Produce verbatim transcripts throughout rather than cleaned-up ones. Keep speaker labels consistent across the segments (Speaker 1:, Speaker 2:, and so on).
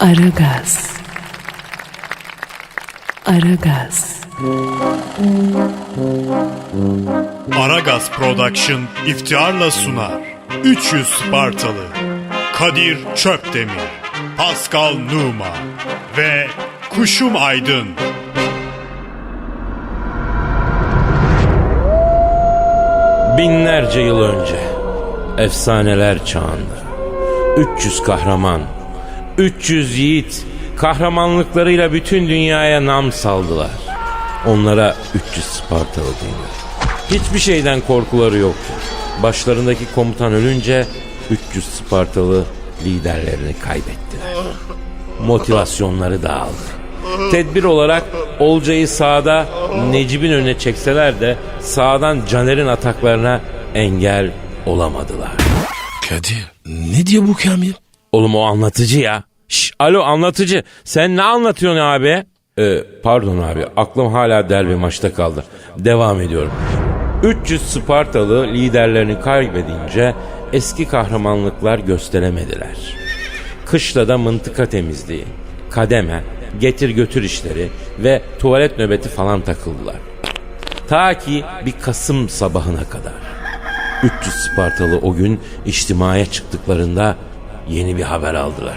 Speaker 1: Aragaz. Aragaz.
Speaker 2: Aragaz Production iftiharla sunar. üç yüz Spartalı, Kadir Çöpdemir, Pascal Numa ve Kuşum Aydın.
Speaker 3: Binlerce yıl önce, efsaneler çağında, üç yüz kahraman, üç yüz yiğit kahramanlıklarıyla bütün dünyaya nam saldılar. Onlara üç yüz Spartalı denir. Hiçbir şeyden korkuları yoktu. Başlarındaki komutan ölünce üç yüz Spartalı liderlerini kaybettiler. Motivasyonları dağıldı. Tedbir olarak Olcay'ı sağda Necip'in önüne çekseler de sağdan Caner'in ataklarına engel olamadılar.
Speaker 4: Kadir, ne diyor bu Kamil?
Speaker 3: Oğlum o anlatıcı ya. Şş, alo anlatıcı, sen ne anlatıyorsun abi? Ee, pardon abi, aklım hala derbi maçta kaldı. Devam ediyorum. üç yüz Spartalı liderlerini kaybedince eski kahramanlıklar gösteremediler. Kışlada mıntıka temizliği, kademe, getir götür işleri ve tuvalet nöbeti falan takıldılar. Ta ki bir Kasım sabahına kadar. üç yüz Spartalı o gün içtimaya çıktıklarında yeni bir haber aldılar.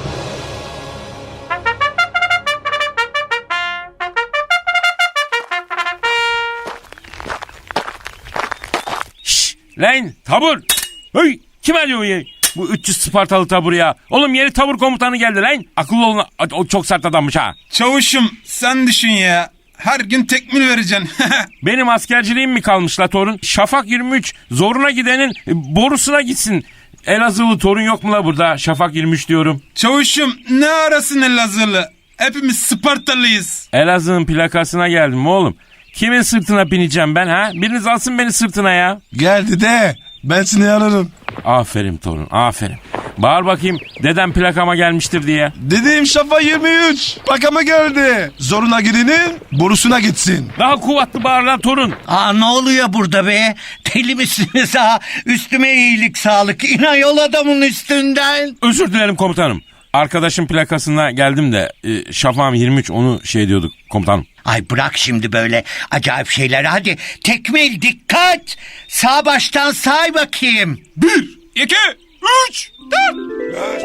Speaker 3: Şşş lan tabur. Hey, kim arıyor ya? Bu üç yüz Spartalı tabur ya. Oğlum yeni tabur komutanı geldi lan. Akıllı olun, o çok sert adammış ha.
Speaker 5: Çavuşum sen düşün ya. Her gün tekmil vereceksin.
Speaker 3: Benim askerciliğim mi kalmış la torun? Şafak yirmi üç zoruna gidenin borusuna gitsin. Elazığlı torun yok mu la burada? Şafak yirmi üç diyorum.
Speaker 5: Çavuşum ne arasın Elazığlı? Hepimiz Spartalıyız.
Speaker 3: Elazığ'ın plakasına geldim oğlum. Kimin sırtına bineceğim ben ha? Biriniz alsın beni sırtına ya.
Speaker 4: Geldi de ben seni ararım.
Speaker 3: Aferin torun, aferin. Bağır bakayım dedem plakama gelmiştir diye.
Speaker 4: Dediğim şafa yirmi üç. Bakama geldi. Zoruna gidenin borusuna gitsin.
Speaker 3: Daha kuvvetli bağır lan torun.
Speaker 6: Aa, ne oluyor burada be? Deli misiniz ha? Üstüme iyilik sağlık. İnan yol adamın üstünden.
Speaker 3: Özür dilerim komutanım. Arkadaşın plakasına geldim de e, Şafak'ım yirmi üç onu şey diyorduk komutanım.
Speaker 6: Ay bırak şimdi böyle acayip şeyler. Hadi tekmil dikkat. Sağ baştan say bakayım.
Speaker 5: Bir, iki, üç, dört, beş,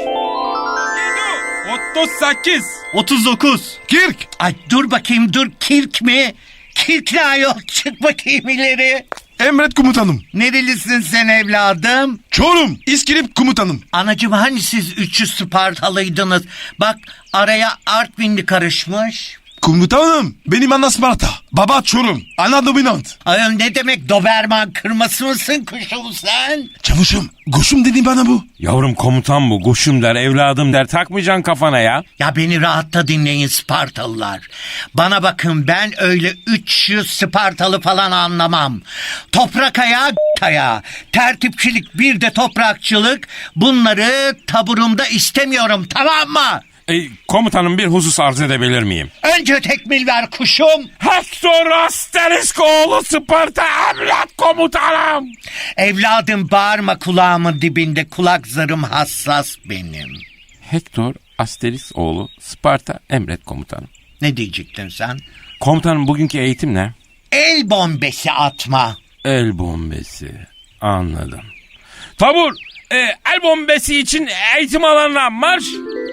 Speaker 5: yedi, otuz sekiz, otuz dokuz.
Speaker 4: Kirk.
Speaker 6: Ay dur bakayım dur, kirk mi? Kirk ne ayol, çık bakayım ileri.
Speaker 4: Emret komutanım.
Speaker 6: Nerelisin sen evladım?
Speaker 4: Çorum. İskilip komutanım.
Speaker 6: Anacığım hani siz üç yüz Spartalıydınız? Bak araya Artvinli karışmış.
Speaker 4: Komutanım benim ana Sparta. Baba Çorum. Ana dominant.
Speaker 6: Ayol ne demek Doberman kırması mısın kuşum sen?
Speaker 4: Çavuşum. Koşum dedi bana bu.
Speaker 3: Yavrum komutan bu, koşum der, evladım der, takmayacaksın kafana ya.
Speaker 6: Ya beni rahatta dinleyin Spartalılar. Bana bakın ben öyle üç yüz Spartalı falan anlamam. Toprak ayağı ayağı, tertipçilik bir de toprakçılık, bunları taburumda istemiyorum, tamam mı?
Speaker 3: E, komutanım bir husus arz edebilir miyim?
Speaker 6: Önce tekmil ver kuşum.
Speaker 3: Hector Asteriskoğlu Sparta evlat komutanım.
Speaker 6: Evladım bağırma kulağımın dibinde, kulak zarım hassas benim.
Speaker 3: Hector Asteriskoğlu Sparta emret komutanım.
Speaker 6: Ne diyecektin sen?
Speaker 3: Komutanım bugünkü eğitim ne?
Speaker 6: El bombesi atma.
Speaker 3: El bombesi. Anladım. Tabur, e, el bombesi için eğitim alanına marş.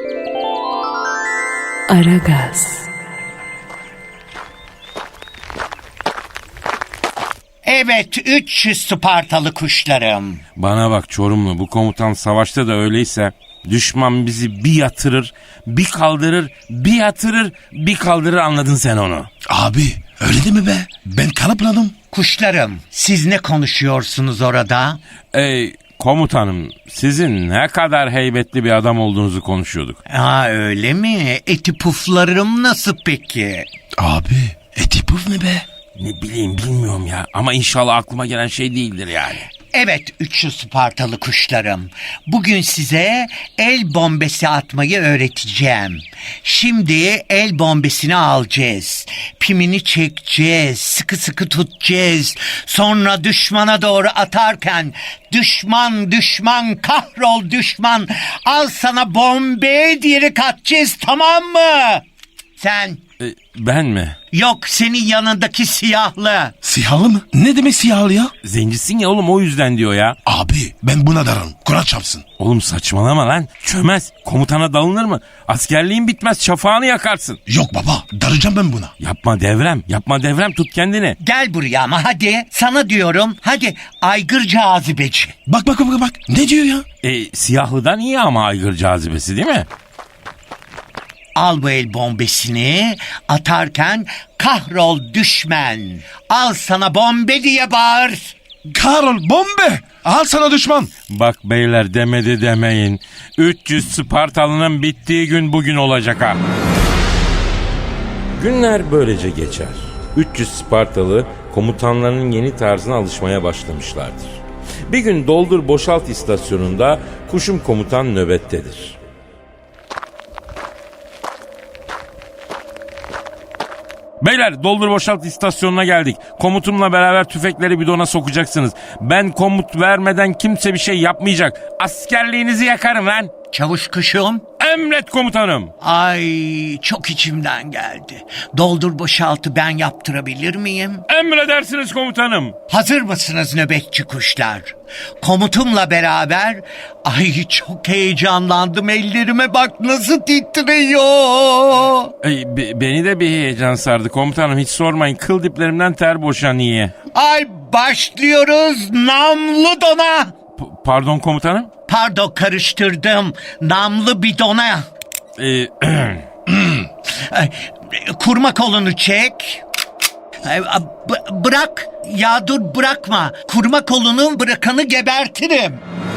Speaker 1: Aragaz.
Speaker 6: Evet, üç yüz Spartalı kuşlarım.
Speaker 3: Bana bak Çorumlu, bu komutan savaşta da öyleyse düşman bizi bir yatırır, bir kaldırır, bir yatırır, bir kaldırır, anladın sen onu.
Speaker 4: Abi öyle değil mi be? Ben kanıpladım.
Speaker 6: Kuşlarım, siz ne konuşuyorsunuz orada?
Speaker 3: Ey komutanım, sizin ne kadar heybetli bir adam olduğunuzu konuşuyorduk.
Speaker 6: Aa öyle mi? Eti puflarım nasıl peki?
Speaker 4: Abi eti puf ne be?
Speaker 3: Ne bileyim bilmiyorum ya, ama inşallah aklıma gelen şey değildir yani.
Speaker 6: Evet üçlü Spartalı kuşlarım. Bugün size el bombesi atmayı öğreteceğim. Şimdi el bombesini alacağız. Pimini çekeceğiz. Sıkı sıkı tutacağız. Sonra düşmana doğru atarken düşman düşman kahrol düşman al sana bombe diyerek atacağız, tamam mı? Sen
Speaker 3: E, ben mi?
Speaker 6: yok senin yanındaki siyahlı.
Speaker 4: Siyahlı mı? Ne demek siyahlı ya?
Speaker 3: Zencisin ya oğlum, o yüzden diyor ya.
Speaker 4: Abi ben buna dararım. Kur'an çarpsın.
Speaker 3: Oğlum saçmalama lan. Çömez. Komutana dalınır mı? Askerliğin bitmez, şafağını yakarsın.
Speaker 4: Yok baba, daracağım ben buna.
Speaker 3: Yapma Devrem. Yapma Devrem, tut kendini.
Speaker 6: Gel buraya ama hadi. Sana diyorum. Hadi aygır cazibeci.
Speaker 4: Bak bak bak bak. Ne diyor ya?
Speaker 3: E, siyahlıdan iyi ama aygır cazibesi değil mi?
Speaker 6: Al bu el bombesini. Atarken kahrol düşman. Al sana bombe diye bağır.
Speaker 4: Karol bombe. Al sana düşman.
Speaker 3: Bak beyler, demedi demeyin. üç yüz Spartalı'nın bittiği gün bugün olacak ha. Günler böylece geçer. üç yüz Spartalı komutanlarının yeni tarzına alışmaya başlamışlardır. Bir gün doldur boşalt istasyonunda Kuşum komutan nöbettedir. Beyler, doldur boşalt istasyonuna geldik. Komutumla beraber tüfekleri bidona sokacaksınız. Ben komut vermeden kimse bir şey yapmayacak. Askerliğinizi yakarım lan.
Speaker 6: Çavuş kuşum.
Speaker 3: Emret komutanım.
Speaker 6: Ay çok içimden geldi. Doldur boşaltı ben yaptırabilir miyim?
Speaker 3: Emredersiniz komutanım.
Speaker 6: Hazır mısınız nöbetçi kuşlar? Komutumla beraber ay çok heyecanlandım, ellerime bak nasıl titriyor.
Speaker 3: Ey, be- beni de bir heyecan sardı komutanım, hiç sormayın. Kıl diplerimden ter boşanıyor.
Speaker 6: Ay başlıyoruz namlu dona.
Speaker 3: P- pardon komutanım.
Speaker 6: Pardon karıştırdım. Namlı bidona.
Speaker 3: Ee,
Speaker 6: Ay, kurma kolunu çek. Ay, b- bırak. Ya dur bırakma. Kurma kolunu, bırakanı gebertirim.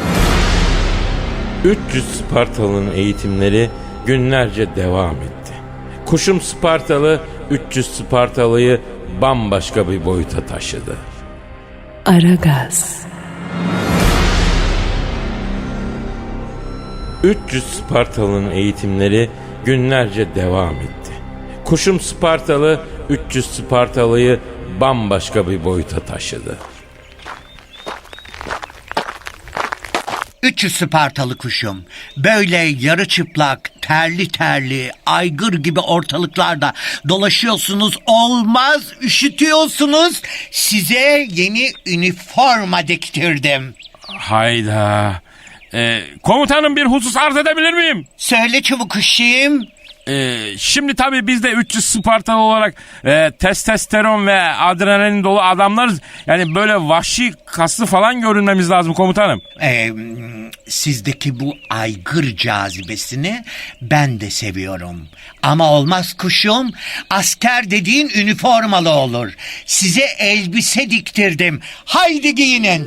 Speaker 3: üç yüz Spartalı'nın eğitimleri günlerce devam etti. Kuşum Spartalı üç yüz Spartalı'yı bambaşka bir boyuta taşıdı.
Speaker 1: Aragaz,
Speaker 3: üç yüz Spartalı'nın eğitimleri günlerce devam etti. Kuşum Spartalı üç yüz Spartalı'yı bambaşka bir boyuta taşıdı.
Speaker 6: üç yüz Spartalı kuşum. Böyle yarı çıplak, terli terli, aygır gibi ortalıklarda dolaşıyorsunuz. Olmaz, üşütüyorsunuz. Size yeni üniforma diktirdim.
Speaker 3: Hayda. Ee, komutanım, bir husus arz edebilir miyim?
Speaker 6: Söyle çabuk kuşum.
Speaker 3: Ee, şimdi tabii biz de üç yüz Spartalı olarak e, testosteron ve adrenalin dolu adamlarız. Yani böyle vahşi, kaslı falan görünmemiz lazım komutanım.
Speaker 6: Ee, sizdeki bu aygır cazibesini ben de seviyorum. Ama olmaz kuşum. Asker dediğin üniformalı olur. Size elbise diktirdim. Haydi giyinin.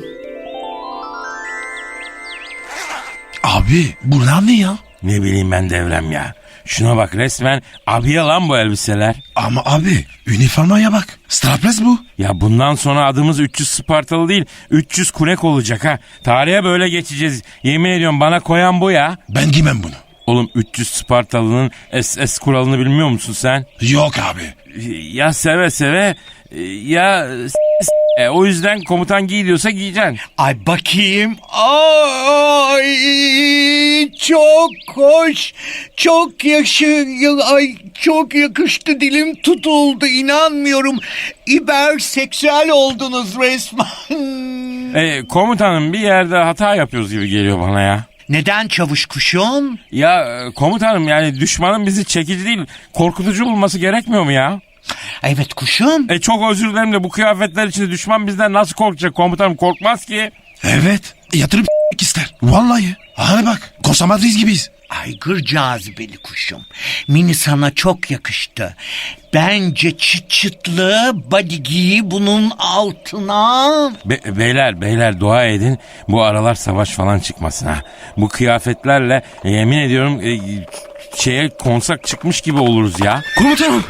Speaker 4: Abi bunlar ne ya?
Speaker 3: Ne bileyim ben Devrem ya. Şuna bak, resmen abiye lan bu elbiseler.
Speaker 4: Ama abi üniformaya bak. Strapless bu.
Speaker 3: Ya bundan sonra adımız üç yüz Spartalı değil, üç yüz Kunek olacak ha. Tarihe böyle geçeceğiz. Yemin ediyorum, bana koyan bu ya.
Speaker 4: Ben giymem bunu.
Speaker 3: Oğlum, üç yüz Spartalı'nın S S kuralını bilmiyor musun sen?
Speaker 4: Yok abi.
Speaker 3: Ya seve seve ya s- e, o yüzden komutan giy diyorsa giyeceksin.
Speaker 6: Ay bakayım. Ay çok hoş. Çok yaşı ay çok yakıştı, dilim tutuldu, inanmıyorum. İberseksüel oldunuz resmen.
Speaker 3: E, komutanım, bir yerde hata yapıyoruz gibi geliyor bana ya.
Speaker 6: Neden çavuş kuşum?
Speaker 3: Ya e, komutanım, yani düşmanın bizi çekici değil, korkutucu bulması gerekmiyor mu ya?
Speaker 6: Evet kuşum.
Speaker 3: E çok özür dilerim de bu kıyafetler içinde düşman bizden nasıl korkacak komutanım? Korkmaz ki.
Speaker 4: Evet. Yatırıp ister. Vallahi. Hani bak. Kosa Madriz gibiyiz.
Speaker 6: Aygır cazibeli kuşum. Mini sana çok yakıştı. Bence çıt çıtlı body giy bunun altına.
Speaker 3: Be- beyler beyler dua edin, bu aralar savaş falan çıkmasın ha. Bu kıyafetlerle e, yemin ediyorum e, şeye konsak çıkmış gibi oluruz ya.
Speaker 4: Komutanım.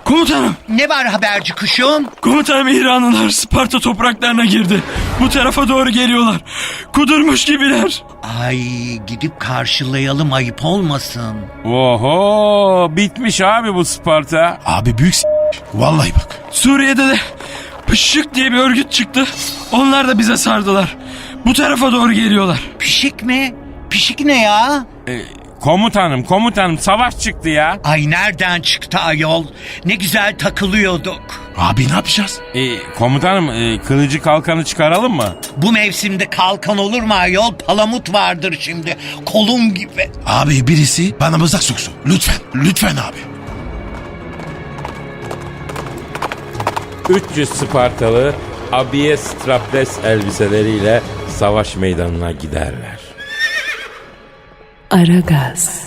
Speaker 7: Komutanım,
Speaker 6: Ne var haberci kuşum?
Speaker 7: komutanım İranlılar Sparta topraklarına girdi. Bu tarafa doğru geliyorlar. Kudurmuş gibiler.
Speaker 6: Ay gidip karşılayalım ayıp olmasın.
Speaker 3: Oho, bitmiş abi bu Sparta.
Speaker 4: Abi büyük s- Vallahi bak.
Speaker 7: Suriye'de de Pışık diye bir örgüt çıktı. Onlar da bize sardılar. Bu tarafa doğru geliyorlar.
Speaker 6: Pişik mi? Pişik ne ya?
Speaker 3: E, komutanım, komutanım savaş çıktı ya.
Speaker 6: Ay nereden çıktı ayol? Ne güzel takılıyorduk.
Speaker 4: Abi ne yapacağız?
Speaker 3: E, komutanım e, kılıcı kalkanı çıkaralım mı?
Speaker 6: Bu mevsimde kalkan olur mu ayol? Palamut vardır şimdi. Kolum gibi.
Speaker 4: Abi birisi bana mızrak soksun. Lütfen. Lütfen abi.
Speaker 3: üç yüz Spartalı abiye strapless elbiseleriyle savaş meydanına giderler.
Speaker 1: Aragaz,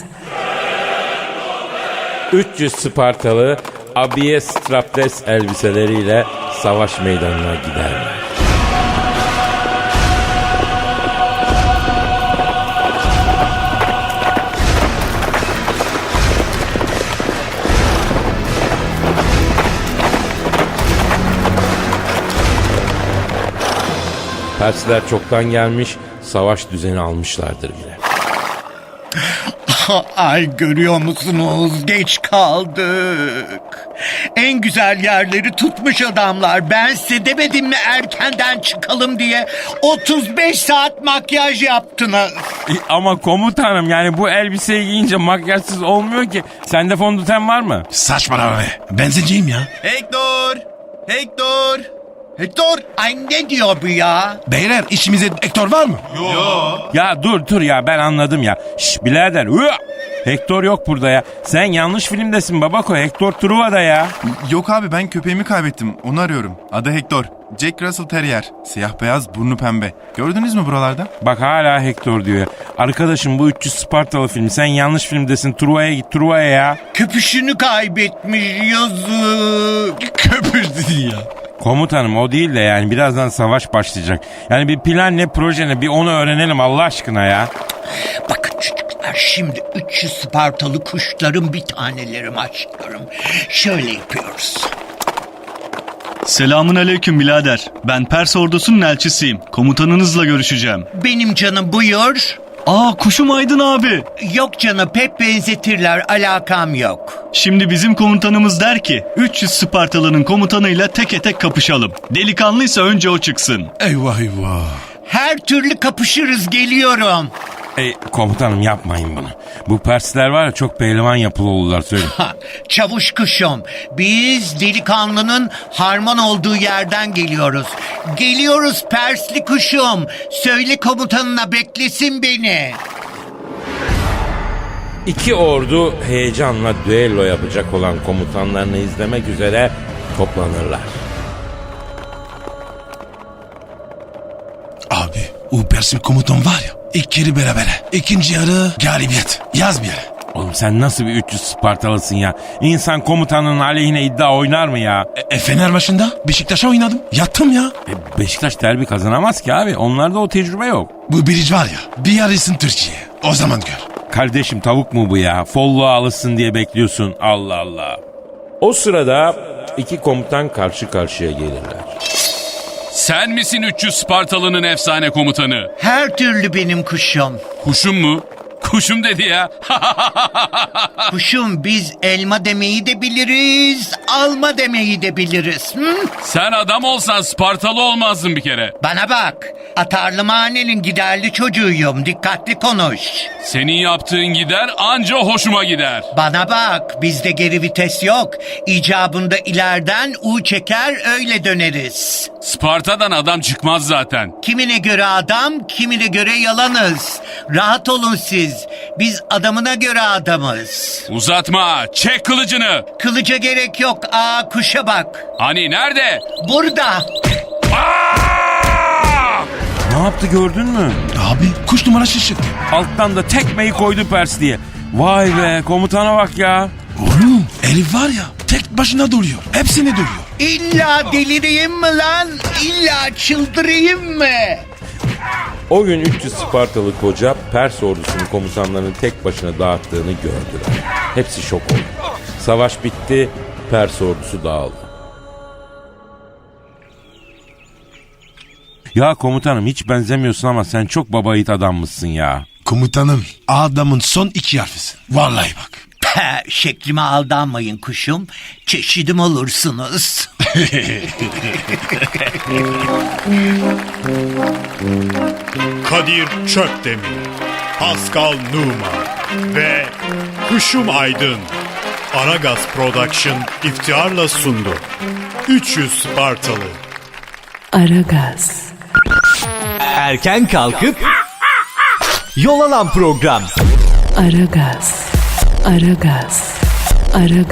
Speaker 3: üç yüz Spartalı abiye strapless elbiseleriyle savaş meydanına giderler. Persler çoktan gelmiş, savaş düzeni almışlardır bile.
Speaker 6: Ay görüyor musunuz? Geç kaldık. En güzel yerleri tutmuş adamlar. Ben size demedim mi erkenden çıkalım diye? otuz beş saat makyaj yaptınız.
Speaker 3: E, ama komutanım yani bu elbiseyi giyince makyajsız olmuyor ki. Sende fondöten var mı?
Speaker 4: Saçmalama be. Benzinciyim ya.
Speaker 5: Hector! Hector! Hector!
Speaker 6: Ay ne diyor bu ya?
Speaker 4: Beyler içimizde Hector var mı?
Speaker 3: Ya dur dur ya ben anladım ya. Şş birader. Hıa! Hector yok burada ya. Sen yanlış filmdesin babako. Hector Truva'da ya.
Speaker 8: Yok abi ben köpeğimi kaybettim. Onu arıyorum. Adı Hector. Jack Russell Terrier. Siyah beyaz, burnu pembe. Gördünüz mü buralarda?
Speaker 3: Bak hala Hector diyor ya. Arkadaşım bu üç yüz Spartalı film. Sen yanlış filmdesin. Truva'ya git Truva'ya ya.
Speaker 6: Köpüşünü kaybetmiş yazık.
Speaker 4: Köpüş dedi ya.
Speaker 3: Komutanım o değil de yani birazdan savaş başlayacak. Yani bir plan ne proje ne bir onu öğrenelim Allah aşkına ya.
Speaker 6: Bakın çocuklar şimdi üç yüz Spartalı kuşların bir tanelerim aşklarım. Şöyle yapıyoruz.
Speaker 9: Selamun aleyküm birader. Ben Pers ordusunun elçisiyim. Komutanınızla görüşeceğim.
Speaker 6: Benim canım buyur.
Speaker 9: Aa kuşum Aydın abi.
Speaker 6: Yok canım pek benzetirler alakam yok.
Speaker 9: Şimdi bizim komutanımız der ki üç yüz Spartalı'nın komutanıyla teke tek kapışalım. Delikanlıysa önce o çıksın.
Speaker 4: Eyvah eyvah.
Speaker 6: Her türlü kapışırız geliyorum.
Speaker 3: E, komutanım yapmayın bunu. Bu Persler var ya çok pehlivan yapılı olurlar söyleyeyim.
Speaker 6: Ha, çavuş kuşum biz delikanlının harman olduğu yerden geliyoruz. Geliyoruz Persli kuşum. Söyle komutanına beklesin beni.
Speaker 3: İki ordu heyecanla düello yapacak olan komutanlarını izlemek üzere toplanırlar.
Speaker 4: Abi o Persil komutan var ya. İlk yarı berabere. İkinci yarı galibiyet. Yaz bir yere.
Speaker 3: Oğlum sen nasıl bir üç yüz Spartalısın ya? İnsan komutanının aleyhine iddia oynar mı ya?
Speaker 4: E, e Fener maçında Beşiktaş'a oynadım. Yattım ya.
Speaker 3: E, Beşiktaş derbi kazanamaz ki abi. Onlarda o tecrübe yok.
Speaker 4: Bu biric var ya. Bir yarısın Türkiye. O zaman gör.
Speaker 3: Kardeşim tavuk mu bu ya? Folluğa alışsın diye bekliyorsun. Allah Allah. O sırada iki komutan karşı karşıya gelirler.
Speaker 10: Sen misin üç yüz Spartalı'nın efsane komutanı?
Speaker 6: Her türlü benim kuşum.
Speaker 10: Kuşum mu? Kuşum dedi ya.
Speaker 6: Kuşum biz elma demeyi de biliriz, alma demeyi de biliriz. Hı?
Speaker 10: Sen adam olsan Spartalı olmazdın bir kere.
Speaker 6: Bana bak, atarlı mahallenin giderli çocuğuyum, dikkatli konuş.
Speaker 10: Senin yaptığın gider anca hoşuma gider.
Speaker 6: Bana bak, bizde geri vites yok. İcabında ileriden U çeker öyle döneriz.
Speaker 10: Sparta'dan adam çıkmaz zaten.
Speaker 6: Kimine göre adam, kimine göre yalanız. Rahat olun siz. Biz adamına göre adamız.
Speaker 10: Uzatma, çek kılıcını.
Speaker 6: Kılıca gerek yok. Aa kuşa bak.
Speaker 10: Hani nerede?
Speaker 6: Burada.
Speaker 10: Aa!
Speaker 3: Ne yaptı gördün mü?
Speaker 4: Abi kuş numara şaşırttı.
Speaker 3: Alttan da tekmeyi koydu Pers diye. Vay be komutana bak ya.
Speaker 4: Oğlum herif var ya tek başına duruyor. Hepsini duruyor.
Speaker 6: İlla delireyim mi lan? İlla çıldırayım mı?
Speaker 3: O gün üç yüz Spartalı koca Pers ordusunun komutanlarını tek başına dağıttığını gördüler. Hepsi şok oldu. Savaş bitti. Pers ordusu dağıldı. Ya komutanım hiç benzemiyorsun ama sen çok baba yiğit adammışsın ya.
Speaker 4: Komutanım adamın son iki harfisin. Vallahi bak.
Speaker 6: Pe, şeklime aldanmayın kuşum. Çeşidim olursunuz.
Speaker 2: Kadir Çöpdemir, Pascal Numa ve Kuşum Aydın Aragaz Production iftiharla sundu. üç yüz Spartalı.
Speaker 1: Aragaz,
Speaker 11: Erken kalkıp yol alan program.
Speaker 1: Aragaz, Aragaz, Aragaz.